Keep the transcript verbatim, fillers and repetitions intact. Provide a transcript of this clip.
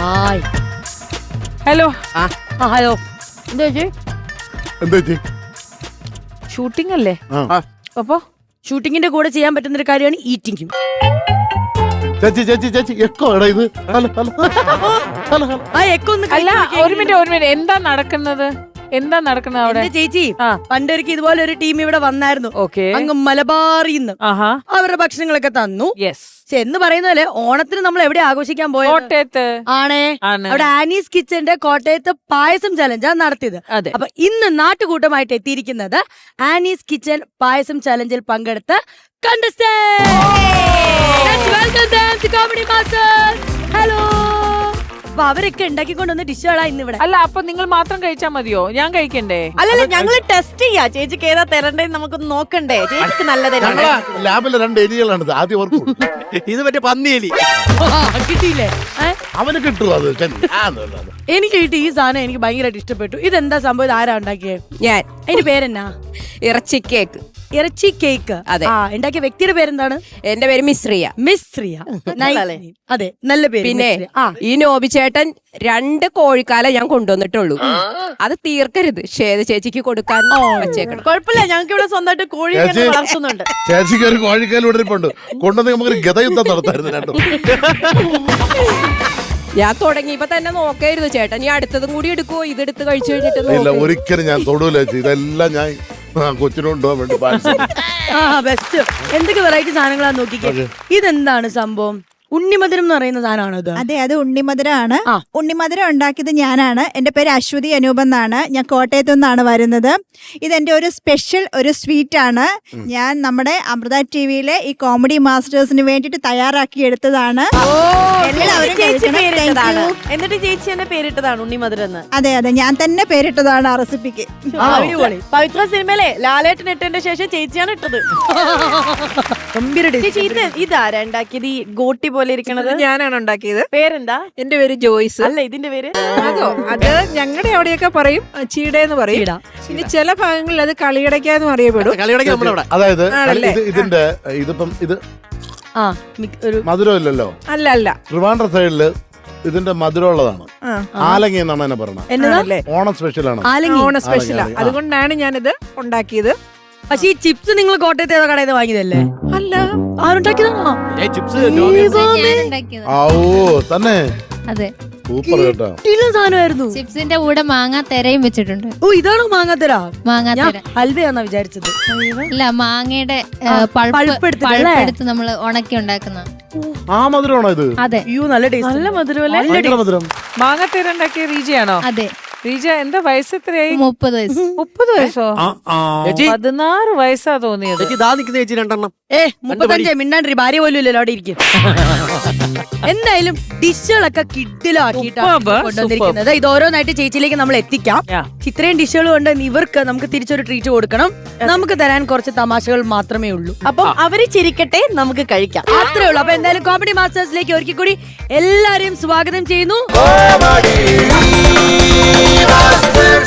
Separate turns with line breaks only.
Hi.
Hello.
ആ hello. എന്താ ചേച്ചി?
എന്താ ചേച്ചി?
ഷൂട്ടിംഗ് അല്ലേ? അപ്പൊ
ഷൂട്ടിങ്ങിന്റെ കൂടെ ചെയ്യാൻ പറ്റുന്ന ഒരു കാര്യമാണ് ഈറ്റിംഗും.
ചേച്ചി ചേച്ചി ചേച്ചി എക്കോ എടാ ഇത്. Hello hello hello hello.
ആ എക്കോ ഒന്ന്
അല്ല, ഒരു മിനിറ്റ് ഒരു മിനിറ്റ് എന്താ നടക്കുന്നത്? എന്താ നടക്കുന്നത് അവിടെ?
ചേച്ചി പണ്ടൊരിക്കൽ ഇതുപോലെ ഒരു ടീം ഇവിടെ വന്നായിരുന്നു.
ഓക്കെ.
അങ്ങ് മലബാറിന്ന് അവരുടെ ഭക്ഷണങ്ങളൊക്കെ തന്നു.
യെസ്.
എന്ന് പറയുന്ന പോലെ ഓണത്തിന് നമ്മൾ എവിടെ ആഘോഷിക്കാൻ പോയത്?
കോട്ടയത്ത്
ആണേ. അവിടെ ആനീസ് കിച്ചന്റെ കോട്ടയത്ത് പായസം ചലഞ്ചാണ് നടത്തിയത്. അപ്പൊ ഇന്ന് നാട്ടുകൂട്ടമായിട്ട് എത്തിയിരിക്കുന്നത് ആനീസ് കിച്ചൻ പായസം ചലഞ്ചിൽ പങ്കെടുത്ത ഹലോ. അപ്പൊ അവരൊക്കെ ഉണ്ടാക്കിക്കൊണ്ടുവന്ന ഡിഷുകളാ ഇന്ന് ഇവിടെ.
അല്ല, അപ്പൊ നിങ്ങൾ മാത്രം കഴിച്ചാൽ മതിയോ? ഞാൻ കഴിക്കണ്ടേ?
അല്ലല്ല, ഞങ്ങള് ടെസ്റ്റ് ചെയ്യാ. ചേച്ചിക്ക് ഏതാ തരണ്ടേ നമുക്കൊന്ന് നോക്കണ്ടേ? ചേച്ചിക്ക് നല്ലതല്ലേ?
ലാബിലെ രണ്ട് എലികളാണ് ആദ്യം ഓർക്കും.
ഇത് മറ്റേ പന്നിയെലി
കിട്ടിയില്ലേ?
അവന് കിട്ടും അത്.
എനിക്ക് കിട്ടി ഈ സാധനം. എനിക്ക് ഭയങ്കരമായിട്ട് ഇഷ്ടപ്പെട്ടു. ഇതെന്താ സംഭവം? ഇത് ആരാ ഉണ്ടാക്കിയത്?
ഞാൻ.
അതിന്റെ പേരെന്നാ?
ഇറച്ചി കേക്ക്.
ഇറച്ചി കേക്ക്.
അതെ.
ആ ഉണ്ടാക്കിയ വ്യക്തിയുടെ പേരെന്താണ്?
എന്റെ പേര് മിശ്രിയ.
മിശ്രിയ. അതെ, നല്ല പേര്.
പിന്നെ ഈ നോബി ചേട്ടൻ രണ്ട് കോഴിക്കാല ഞാൻ കൊണ്ടുവന്നിട്ടുള്ളൂ. അത് തീർക്കരുത്, ശ്വേത ചേച്ചിക്ക് കൊടുക്കാൻ വെച്ചേക്കണം.
കുഴപ്പമില്ല, ഞങ്ങൾക്ക് ഇവിടെ സ്വന്തമായിട്ട് കോഴി വളർത്തുന്നുണ്ട്.
ചേച്ചിക്ക് ഒരു കോഴിക്കാൽ വിടരിപ്പുണ്ട്. കൊണ്ടുവന്ന് നമുക്ക് ഗതയുദ്ധം നടത്തായിരുന്നു രണ്ടും.
ഞാൻ തുടങ്ങിയപ്പോ തന്നെ നോക്കായിരുന്നു ചേട്ടൻ. നീ അടുത്തതും കൂടി എടുക്കുവോ? ഇതെടുത്ത് കഴിച്ചു കഴിഞ്ഞിട്ട്
ഇല്ല, ഒരിക്കലും ഞാൻ തൊടൂല ചേച്ചി. ഇതെല്ലാം ഞാൻ കൊച്ചിനുണ്ടോ വേണ്ടി
ബെസ്റ്റ്. എന്തൊക്കെ വെറൈറ്റി സാധനങ്ങളാ നോക്കിക്കേ. ഇതെന്താണ് സംഭവം? ഉണ്ണിമധുരം എന്ന് പറയുന്ന സാധനമാണോ ഇത്?
അതെ, അത് ഉണ്ണിമധുരമാണ്. ഉണ്ണിമധുരം ഉണ്ടാക്കിയത് ഞാനാണ്. എന്റെ പേര് അശ്വതി അനൂപ് എന്നാണ്. ഞാൻ കോട്ടയത്തു നിന്നാണ് വരുന്നത്. ഇതെന്റെ ഒരു സ്പെഷ്യൽ ഒരു സ്വീറ്റ് ആണ്. ഞാൻ നമ്മുടെ അമൃത ടിവിയിലെ ഈ കോമഡി മാസ്റ്റേഴ്സിന് വേണ്ടിട്ട് തയ്യാറാക്കി എടുത്തതാണ്.
എന്നിട്ട് ചേച്ചി എന്നെ പേരിട്ടതാണ് ഉണ്ണിമധുരം എന്ന്.
അതെ അതെ, ഞാൻ തന്നെ പേരിട്ടതാണ് ആ റെസിപ്പിക്ക്.
പവിത്ര സിനിമയിലെ ലാലേട്ടൻ ഇട്ടതിന്റെ ശേഷം ചേച്ചിയാണ് ഇട്ടത്. ചേച്ചി ഇത് ഇതാരാ ഉണ്ടാക്കിയത്? ഈ ഗോട്ടി പോലെ ഇരിക്കണത്
ഞാനാണ് ഉണ്ടാക്കിയത്.
പേരെന്താ?
എന്റെ പേര് ജോയ്സ്.
അല്ല, ഇതിന്റെ പേര്?
അതോ, അത് ഞങ്ങളുടെ അവിടെയൊക്കെ പറയും ചീടേന്ന് പറയും. ഇനി ചില ഭാഗങ്ങളിൽ അത് കളിയടയ്ക്കാന്നും അറിയപ്പെടും.
അതായത് ഇതിന്റെ ഇതിപ്പം ഇത് മധുരം ഇല്ലല്ലോ.
അല്ല അല്ല,
ട്രിവാൻഡ്രം സൈഡില് ഇതിന്റെ മധുരം ഉള്ളതാണ്. ആലങ്ങി എന്നാണ് എന്നെ പറഞ്ഞത്. ഓണം സ്പെഷ്യലാണ്.
ഓണം സ്പെഷ്യലാ. അതുകൊണ്ടാണ് ഞാനിത് ഉണ്ടാക്കിയത്.
പക്ഷെ ഈ ചിപ്സ് നിങ്ങൾ കോട്ടയത്ത് ഏതോ കടയിൽ വാങ്ങിയതല്ലേ?
അല്ല,
ആരുണ്ടാക്കിയതാണോ?
തന്നെ.
അതെ,
സൂപ്പർ കേട്ടോ.
സാധനമായിരുന്നു.
ചിപ്സിന്റെ കൂടെ മാങ്ങാ തെരയും വെച്ചിട്ടുണ്ട്.
ഓ, ഇതാണോ മാങ്ങാത്തര?
മാങ്ങാത്തര
ഹൽവയാന്നാ വിചാരിച്ചത്.
അല്ല, മാങ്ങയുടെ പൾപ്പെടുത്ത് നമ്മള് ഉണക്കി ഉണ്ടാക്കുന്ന
ആ മധുരമാണോ ഇത്?
അതെ.
അയ്യോ, നല്ല ടേസ്റ്റ്. നല്ല
മധുരം.
മാങ്ങാത്തേര ഉണ്ടാക്കിയ റീജയാണോ?
അതെ.
റീജ എന്താ വയസ്സ് എത്രയായി?
മുപ്പത് വയസ്സ്.
മുപ്പത് വയസ്സോ? പതിനാറ് വയസ്സാ തോന്നിയത്.
ചേച്ചി രണ്ടെണ്ണം.
ഏ മുപ്പത്തഞ്ചേ മിണ്ടാണ്ടി. ഭാര്യ പോലും ഇല്ലല്ലോ അവിടെ ഇരിക്കും. എന്തായാലും ഡിഷുകളൊക്കെ കിഡിലാക്കിയിട്ടാണ് കൊണ്ടുവന്നിരിക്കുന്നത്. ഇത് ഓരോന്നായിട്ട് ചേച്ചിയിലേക്ക് നമ്മൾ എത്തിക്കാം. ഇത്രയും ഡിഷുകൾ കൊണ്ട് ഇവർക്ക് നമുക്ക് തിരിച്ചൊരു ട്രീറ്റ് കൊടുക്കണം. നമുക്ക് തരാൻ കുറച്ച് തമാശകൾ മാത്രമേ ഉള്ളൂ.
അപ്പം അവര് ചിരിക്കട്ടെ, നമുക്ക് കഴിക്കാം.
അത്രേ ഉള്ളൂ. അപ്പൊ എന്തായാലും കോമഡി മാസ്റ്റേഴ്സിലേക്ക് ഒരിക്കൽ കൂടി എല്ലാരെയും സ്വാഗതം ചെയ്യുന്നു.